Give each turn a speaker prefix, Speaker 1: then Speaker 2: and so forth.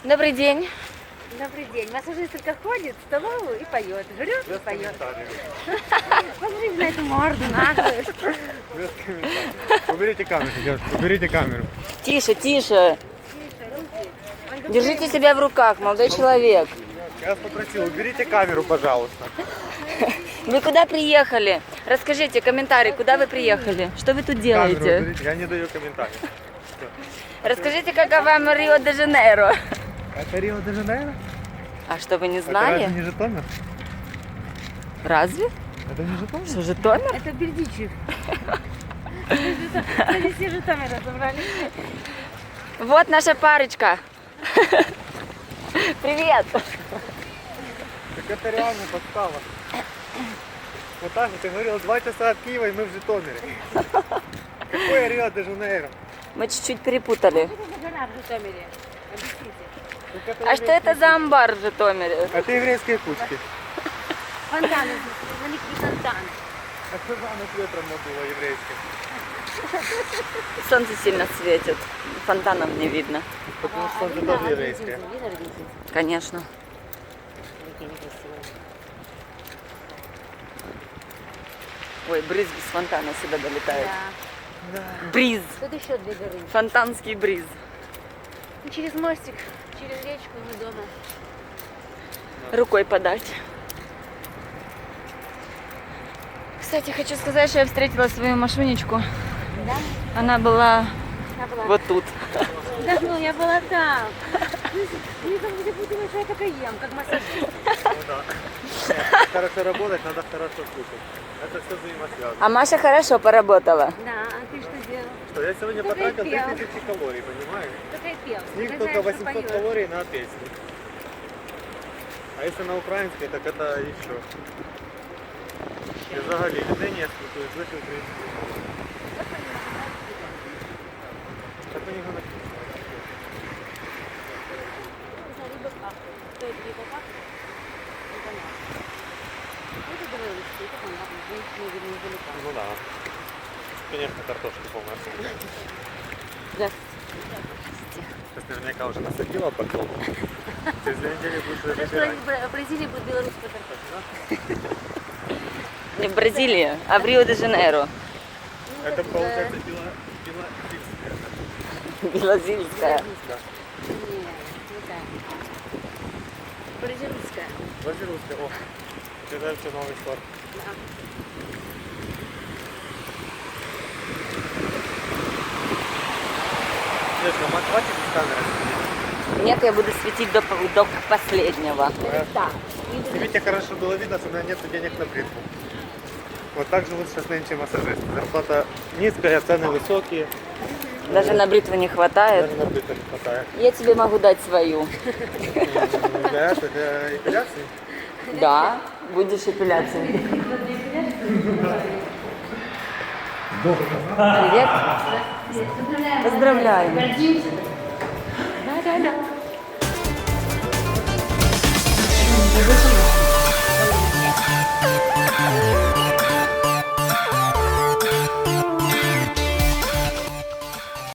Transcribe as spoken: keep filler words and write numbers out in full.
Speaker 1: Добрый день.
Speaker 2: Добрый день. Массажистка ходит в столовую и поет. Жрет и поет. Посмотрите на эту морду наглую.
Speaker 3: Без комментариев. Уберите камеру, девушка, уберите камеру.
Speaker 1: Тише, тише. Держите себя в руках, молодой человек.
Speaker 3: Я вас попросил, уберите камеру, пожалуйста.
Speaker 1: Вы куда приехали? Расскажите, комментарий, куда вы приехали? Что вы тут
Speaker 3: Камеру
Speaker 1: делаете?
Speaker 3: уберите, я не даю комментариев.
Speaker 1: Расскажите, как вам Рио-де-Жанейро?
Speaker 3: Это Рио-де-Жанейро?
Speaker 1: А что, вы не
Speaker 3: Это
Speaker 1: знали?
Speaker 3: разве не Житомир?
Speaker 1: Разве?
Speaker 3: Это не Житомир?
Speaker 1: Что, Житомир?
Speaker 2: Это Бердичев. Они все Житомира собрались.
Speaker 1: Вот наша парочка. Привет.
Speaker 3: Так это реально подстава. Вот так вот, ты говорил, два часа от Киева, и мы в Житомире. Какое Рио-де-Жанейро?
Speaker 1: Мы чуть-чуть перепутали.
Speaker 2: Что это за гора в Житомире? Объясните.
Speaker 3: Так это
Speaker 1: А что это за амбар в Житомире?
Speaker 3: Это еврейские кучки.
Speaker 2: Фонтаны, маленький фонтан.
Speaker 3: А что же оно с ветром надуло еврейским?
Speaker 1: Солнце сильно светит. Фонтанов не видно.
Speaker 3: Потому что солнце тоже еврейское.
Speaker 1: Конечно. Ой, брызги с фонтана сюда долетают.
Speaker 2: Да.
Speaker 1: Бриз.
Speaker 2: Тут еще две горы.
Speaker 1: Фонтанский бриз.
Speaker 2: И через мостик, через речку мы дома.
Speaker 1: Рукой подать. Кстати, хочу сказать, что я встретила свою машинечку.
Speaker 2: Да?
Speaker 1: Она была
Speaker 2: Я была.
Speaker 1: вот тут.
Speaker 2: Да, ну я была там. Мне там где подумать, что я только ем, как массажист.
Speaker 3: Ну да. Хорошо работать, надо хорошо слушать. Это все взаимосвязано.
Speaker 1: А Маша хорошо поработала.
Speaker 2: Да, а ты что делал?
Speaker 3: Что, я сегодня
Speaker 2: Только
Speaker 3: потратил
Speaker 2: и пел.
Speaker 3: две тысячи калорий, понимаешь?
Speaker 2: Только и пел.
Speaker 3: С них
Speaker 2: Ты
Speaker 3: только
Speaker 2: знаешь, что
Speaker 3: восемьсот
Speaker 2: поешь.
Speaker 3: калорий на песню. А если на украинской, так это еще. Я взагалі людей не спілкуюсь, лише українською. Так у нього написано.
Speaker 2: За рыбаках. Кто это рыбаках? Это наш. Это говорили, что это понятно. Женщины видно издалека.
Speaker 3: Ну да. Конечно, картошки полностью.
Speaker 1: Здравствуйте.
Speaker 3: Сейчас наверняка уже насадила потом. Через две недели будешь уже
Speaker 2: Хорошо,
Speaker 3: забирать.
Speaker 2: в Бразилии будет белорусская картошка.
Speaker 1: Не в Бразилии, а в Рио-де-Жанейро.
Speaker 2: Ну,
Speaker 3: Это
Speaker 2: вот,
Speaker 3: получается
Speaker 2: э,
Speaker 3: бело... бело-сильское.
Speaker 1: Белозильская.
Speaker 3: Да.
Speaker 2: Нет, не так. Бразильская.
Speaker 3: Бразильское. О, это вообще новый сорт.
Speaker 2: Да.
Speaker 3: Нет, ну хватит без камеры сидеть.
Speaker 1: Нет, я буду светить до, до последнего.
Speaker 2: Так.
Speaker 3: Снимите хорошо, было видно, что у меня нет денег на бритву. Вот так живут сейчас нынче массажисты. Зарплата низкая, цены высокие.
Speaker 1: Даже на бритву не хватает.
Speaker 3: Даже на бритву не хватает.
Speaker 1: Я тебе могу дать свою.
Speaker 3: Для этого, для эпиляции.
Speaker 1: Да, будешь эпиляцией. Привет. Поздравляем. Да, да, да.